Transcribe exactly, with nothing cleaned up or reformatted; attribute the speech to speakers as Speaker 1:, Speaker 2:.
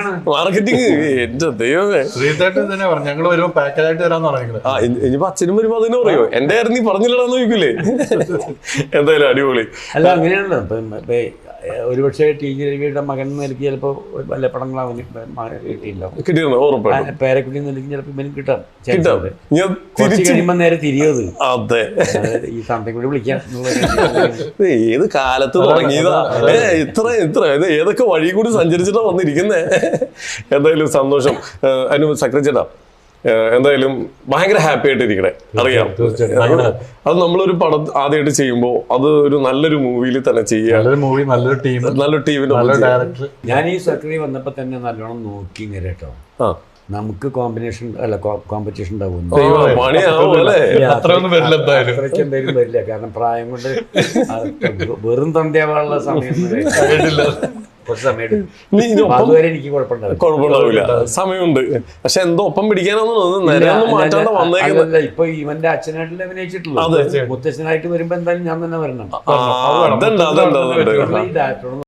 Speaker 1: Marketing എന്റെ ദൈവമേ.
Speaker 2: ശ്രീധേട്ടൻ തന്നെ പറഞ്ഞു ഞങ്ങൾ വരുമ്പോ പാക്കേജായിട്ട് തരാന്ന് പറഞ്ഞത്.
Speaker 1: ആ ഇനിയിപ്പോ അച്ഛനും വരുമ്പോ അതിനെ പറയോ എന്റെ ആയിരുന്നു നീ പറഞ്ഞില്ലടാന്ന് ചോദിക്കൂലേ. എന്തായാലും അടിപൊളി.
Speaker 3: അല്ല അങ്ങനെയാണല്ലോ ഇപ്പൊ ഒരുപക്ഷെ ടി ജി രവിയുടെ മകൻ നിലയ്ക്ക് ചിലപ്പോ വല്ല പടങ്ങളാവും കിട്ടിയില്ല,
Speaker 1: കിട്ടിയിരുന്നു ഉറപ്പായിട്ടും.
Speaker 3: പേരക്കുട്ടി നിലയ്ക്ക് ചിലപ്പോ ഇവനും കിട്ടാം
Speaker 1: കിട്ടാം. ഞാൻ
Speaker 3: കുറച്ച് കഴിയുമ്പോ നേരെ തിരിയത്
Speaker 1: അതെ
Speaker 3: ഈ സമയത്ത് കൂടി വിളിക്കാം.
Speaker 1: ഏത് കാലത്ത് തുടങ്ങിയതാ ഇത്ര ഇത്ര ഏതൊക്കെ വഴി കൂടി സഞ്ചരിച്ചിട്ടാ വന്നിരിക്കുന്നേ. എന്തായാലും സന്തോഷം. അതിന് സെക്രട്ടറിയേട്ടാ എന്തായാലും ഭയങ്കര ഹാപ്പി ആയിട്ടിരിക്കണേ. അറിയാം അത് നമ്മളൊരു പടം ആദ്യമായിട്ട് ചെയ്യുമ്പോ അത് ഒരു നല്ലൊരു മൂവിയിൽ തന്നെ ചെയ്യാം.
Speaker 2: മൂവി നല്ലൊരു ടീം
Speaker 1: നല്ലൊരു ടീമിന്
Speaker 2: ഡയറക്ടർ.
Speaker 3: ഞാൻ ഈ സെക്രട്ടറി വന്നപ്പോ തന്നെ നല്ലോണം നോക്കി കേട്ടോ. നമുക്ക് കോമ്പിനേഷൻ അല്ല കോമ്പറ്റീഷൻ ഉണ്ടാവും.
Speaker 2: അത്രയൊന്നും വരില്ല,
Speaker 3: അത്രയ്ക്ക് എന്തായാലും വരില്ല. കാരണം പ്രായം കൊണ്ട് വെറും തൊണ്ടയാവാനുള്ള സമയം കുറച്ച് സമയം അതുവരെ എനിക്ക്
Speaker 1: കുഴപ്പമുണ്ടാവില്ല, സമയമുണ്ട്. പക്ഷെ എന്തോ ഒപ്പം പിടിക്കാനൊന്നും മാറ്റാണ്ട് വന്നേക്കുന്നത്.
Speaker 3: ഇപ്പൊ ഇവന്റെ അച്ഛനായിട്ടല്ലേ അഭിനയിച്ചിട്ടുള്ളൂ. മുത്തച്ഛനായിട്ട് വരുമ്പോ എന്തായാലും ഞാൻ തന്നെ വരണം.
Speaker 1: അതുണ്ട് അതുണ്ട് അതുണ്ട്.